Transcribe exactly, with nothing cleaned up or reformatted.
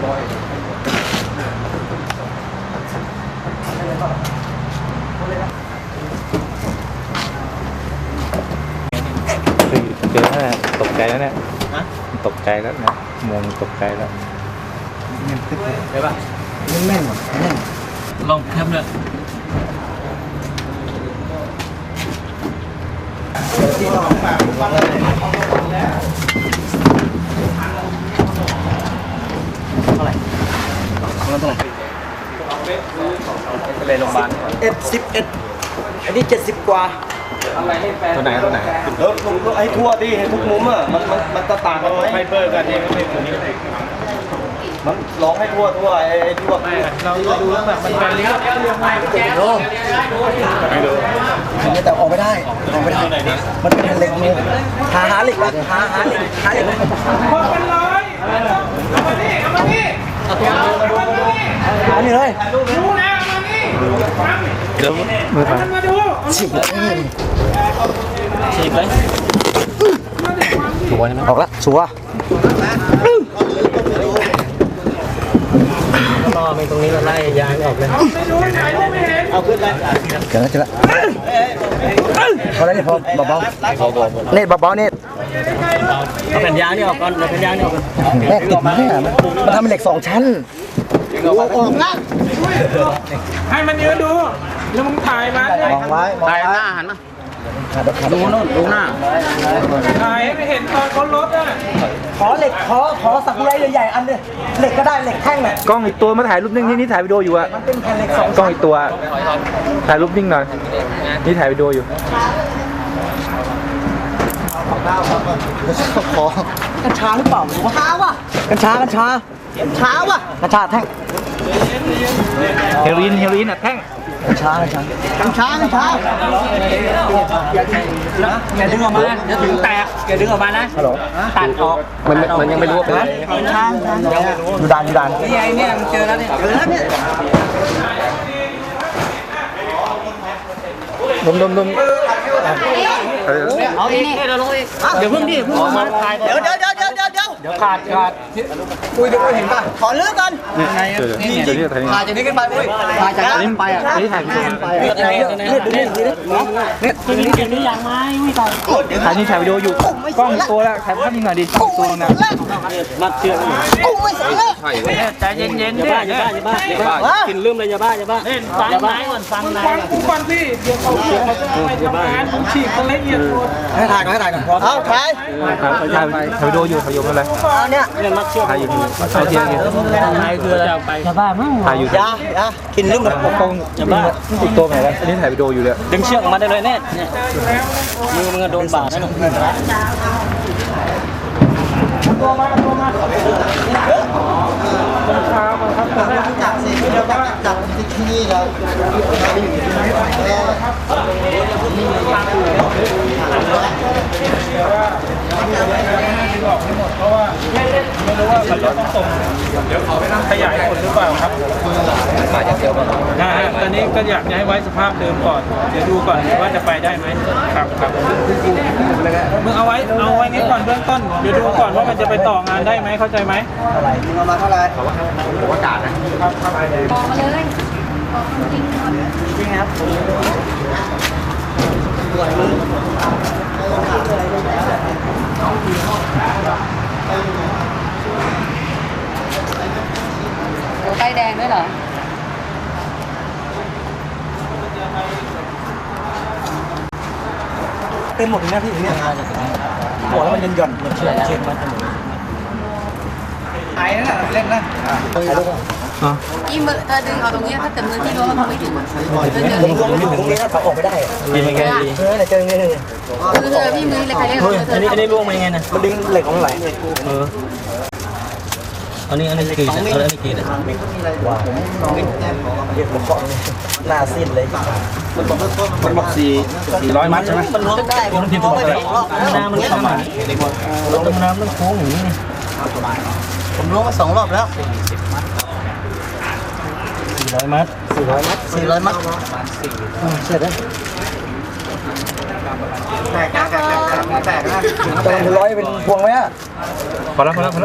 เจอแล้วตกใจแล้วเนี่ยตกใจแล้วนะมองตกใจแล้วใช่ป่ะแม่นแม่นลองแคปเลยที่ต้องฝากเท่าไหร่เท่าไหร่ไปโรงพยาบาลเอ็ดสิบเอ็ดอันนี้เจ็ดสิบกว่าตัวไหนตัวไหนเออผมก็ให้ทั่วดิให้ทุกมุมอ่ะมันมันมันต่างกันไหมไฟเบอร์กันเองไม่ตัวนี้มันร้องให้ทั่วทั่วไอ้ทั่วเราดูแล้วแบบมันเป็นลิงก์ไม่รู้ไม่รู้แต่ออกไม่ได้ออกไม่ได้มันเป็นเหล็กมือหาหาเหล็กหาหาเหล็กหาเหล็กพอกันเลยเอามานี่เอามานี่เอาตัวมาดูอันนี้เลยดูนะเอามานี่เดี๋ยวมือผ่านมาดูฉีกฉีกเลยชัวร์ใช่ไหมออกแล้วชัวร์รอไปตรงนี้เราไล่ยางออกเลยเอาขึ้นเลยเจอแล้วเจอแล้วพอแล้วนี่พอเบาๆเน็ตเบาๆเน็ตเอาแผ่นยางนี่ออกก่อนเอาแผ่นยางนี่ออกแม่ติดมาเนี่ยมันทำเป็นเหล็กสองชั้นออกนะให้มันยืนดูแล้วมึงถ่ายมาเลยมองไว้ถ่ายหน้าหันมาดูโน่นดูหน้าถ่ายให้ไม่เห็นตอนเขาลดอ่ะขอเหล็กขอขอสักไรใหญ่ๆอันนึงเหล็กก็ได้เหล็กแท่งน่ะกล้องอีกตัวมาถ่ายรูปนิ่งที่นี่ถ่ายวิดีโออยู่อะมันเป็นแผ่นเหล็กสองกล้องอีกตัวถ่ายรูปนิ่งหน่อยนี่ถ่ายวิดีโออยู่ขอกัญชาหรือเปล่ากัญชาวะกัญชากัญชากัญชาวะกัญชาแท่งเฮโรอีนเฮโรอีนอ่ะแท่งกัญชากัญชากัญชากัญชาอย่าดึงออกมาเดี๋ยวถึงแตกอย่าดึงออกมานะฮัลโหลตัดออกมันมันยังไม่รู้ว่าเป็นอะไรกัญชาดูดันดูดันนี่ไอ้เนี่ยมันเจอแล้วเนี่ยเจอแล้วเนี่ยดมดมดมเอาอีกเดี๋ยวลงอีกเดี๋ยวเพิ่งดิเพิ่งมาเดี๋ยวเดี๋ยวเดี๋ยวเดี๋ยวเดี๋ยวเดี๋ยวขาดขาดคุยเดี๋ยวเห็นป่ะขอเลือกกันนี่จริงถ่ายจากนี้ขึ้นไปอุ้ยถ่ายจากนี้ไปอ่ะนี่ถ่ายขึ้นไปเนี่ยเนี่ยเนี่ยเนี่ยเนี่ยนี่ยังไม่อุ้ยตอนถ่ายนี่ถ่ายวิดีโออยู่กล้องตัวแล้วถ่ายภาพนิ่งหน่อยดิตัวนะมัดเชือกกุ้งไม่ใส่เลยใจเย็นๆดิอย่าบ้าอย่าบ้าอย่าบ้ากินลืมเลยอย่าบ้าอย่าบ้าฟังนายก่อนฟังนายฟังกูก่อนสิเดี๋ยวเขาเขาจะไปทำงานผมฉีกมันละเอียดหมดให้ถ่ายก่อนให้ถ่ายก่อนเอาถ่ายถ่ายถ่ายถ่ายวิดีโออยู่ถ่ายอยู่อะไรเนี่ยเนี่ยมัดเชือกถ่ายอยู่ถ่ายเทียนอยู่ถ่ายคืออะไรอย่าบ้ามั้งถ่ายอยู่ยายากินลืมเลยกล้องอย่าบ้าติดตัวไหนแล้วอันนี้ถ่ายวิดีโออยู่เลยดึงเชือกมาได้เลยเนี่ยมือมึงโดนบาดนะตัวมาตัวมาต้นขามันครับแต่ไม่จับสิเดี๋ยวจับจับที่นี่แล้วเพราะว่าไม่รู้ว่ามันจะต้องส่งเดี๋ยวเขาไปนั่งขยายผลหรือเปล่าครับมาจากเดียวกันนะฮะตอนนี้ก็อยากจะให้ไว้สภาพเดิมก่อนเดี๋ยวดูก่อนว่าจะไปได้ไหมครับครับมึงเอาไว้เอาไว้นี้ก่อนเบื้องต้นเดี๋ยวดูก่อนว่ามันจะไปต่องานได้ไหมเข้าใจไหมเท่าไหร่ประมาณเท่าไหร่เขาว่าเขาว่าการนะครับบอกมาเลยบอกจริงจริงครับไฟแดงด้วยเหรอเต็มหมดเลยนะพี่เนี่ยบอกแล้วมันยันหย่อนเชื่อเชื่อมันไอ้นั่นแหละเล่นนะอีมือเธอดึงเอาตรงนี้ถ้าเกิดมือที่รู้ว่ามันไม่ถึงเธอเจอตรงนี้ถ้าออกไม่ได้ดีมันไงดีเออเจอไงเลยคือเธอพี่มือเลยใครเล่นอันนี้อันนี้ล่วงมายังไงนะมันดึงเหล็กของไหลเอออันนี้อันนี้กี่อันนี้กี่นะว้าวเรียกผมบอกหน้าสิ้นเลยมันบอกมันบอกสี่สี่ร้อยมัดใช่ไหมมันล้วงได้มันพิมพ์ตัวเลยน้ำมันเข้ามาลงน้ำมันโค้งอย่างนี้ผมล้วงมาสองรอบแล้วสี่ร้อยมัดสี่ร้อยมัดสี่ร้อยมัดเสร็จแล้วแตกแตกแตกแตกแตกนะจะเป็นร้อยเป็นพวงไหมอ่ะพอแล้วพอแล้ว